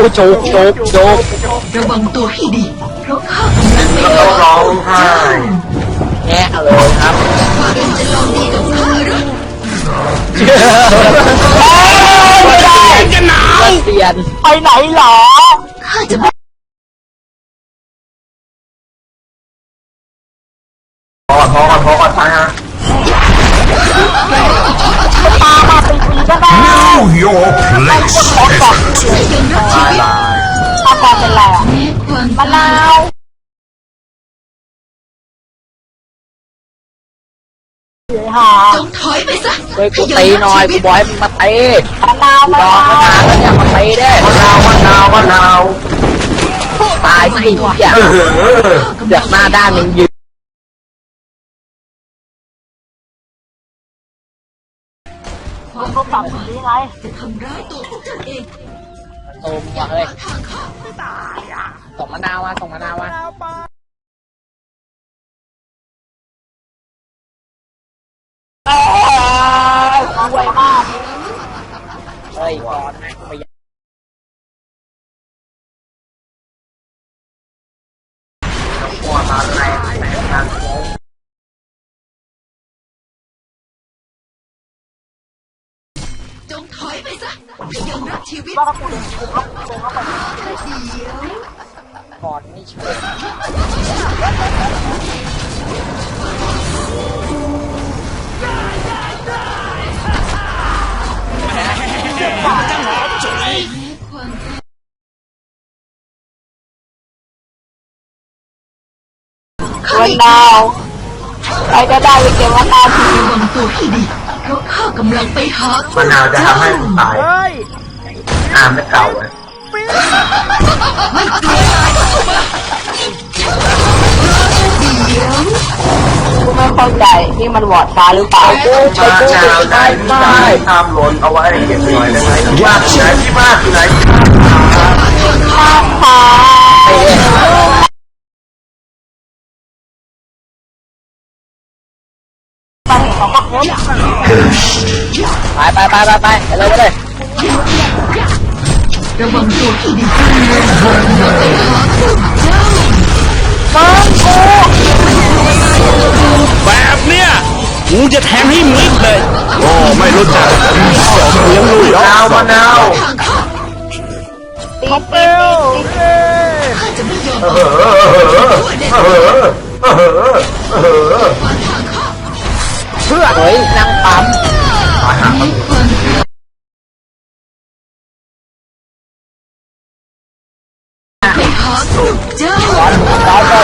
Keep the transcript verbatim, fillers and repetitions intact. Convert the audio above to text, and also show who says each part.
Speaker 1: จุกจุกจุก
Speaker 2: ระวังตัวให้ดีเพราะข้ากำลัง
Speaker 3: แล้วก็ร้องไห้
Speaker 1: แง่เลยครับ
Speaker 2: ว่าเองจะลองดีกับข้าหรือ
Speaker 1: ไม่ได้จะหนาวเปลี่ยนไปไหนหรอ
Speaker 2: ข้าจะไม่
Speaker 3: พอพอพอพอไปฮะ
Speaker 1: ตามมาเป็นปีก็ได้
Speaker 4: Know your place.
Speaker 2: ยังรักชีวิต
Speaker 1: อาการเป็นไรอ่ะ
Speaker 2: แม้ความ
Speaker 1: มะนาวเฮ้ยหา
Speaker 2: จงถอยไปซะ
Speaker 1: เฮ้ยกูตีหน่อยกูบอยมึงมาตีมะนาวมะนาวมะนาวแล้วเนี่ยมาตีได้
Speaker 3: มะนาวมะนาวมะนาว
Speaker 1: ตายสิอย่า
Speaker 3: เออ
Speaker 1: เดือดหน้าด้านมึงยืน
Speaker 2: ความรักนี้ไงจะทำร้ายตัวพวกท่านเอง
Speaker 1: โอมว่ะเฮ้ย
Speaker 2: ทางข้า
Speaker 1: ส่งมะนาวมาส่งมะนาวมารวยมากเฮ้ยก่อนนะไม่อยาก
Speaker 3: ปวดมาแรงแรงทางโค้ง
Speaker 2: จงถอยไปซะยังรักชีวิต
Speaker 1: ว่าเขาเดินเดินเข้าไปเดินเข้าไป
Speaker 2: เดี๋ยว
Speaker 1: ก่อนไม่ช่วย
Speaker 2: ข้า
Speaker 1: วันดาวใครจะได้ไปเก็บวันดาวที
Speaker 2: ระวังตัวให้ดีเพราะข้ากำลังไปหาม
Speaker 3: ะนาวจะทำให้คุณตายอ่าไม่เก่าเลย
Speaker 2: ไม่กลัวตายก็เข้ามาเดี๋ยว
Speaker 1: กูไม่เข้าใจนี่มันวอดฟ้าหรือเปล่ากู
Speaker 3: มะ
Speaker 1: ใช้กู
Speaker 3: นาวได้
Speaker 1: ไม่
Speaker 3: ได้
Speaker 1: ได้
Speaker 3: ทำหล่นเอาไว้เก็บหน่อยได้ไหมว่าที่ไหนที่บ้านที่ไหน
Speaker 1: ค่ะไปไปไปไปไปไปเลยไปเลย
Speaker 2: ระวังตัวให้ดีไปหาพวกเจ้า
Speaker 4: แบบเนี้ยกูจะแทงให้มิดเลยโอ้ไม่รู้จักสองเลี้ยงลุย
Speaker 3: มะนาวมะนาว
Speaker 2: ทางข้า
Speaker 1: ตีเปิล
Speaker 2: ข้าจะไม่ยอม
Speaker 3: เออเออเออเออเออเออ
Speaker 2: มาทางข้า
Speaker 1: เพื่อเฮ้ยนั่งปั๊ม
Speaker 3: ตายหา
Speaker 2: มีความรัก ไปหาพวกเจ้า
Speaker 1: ร้อนร้อนร้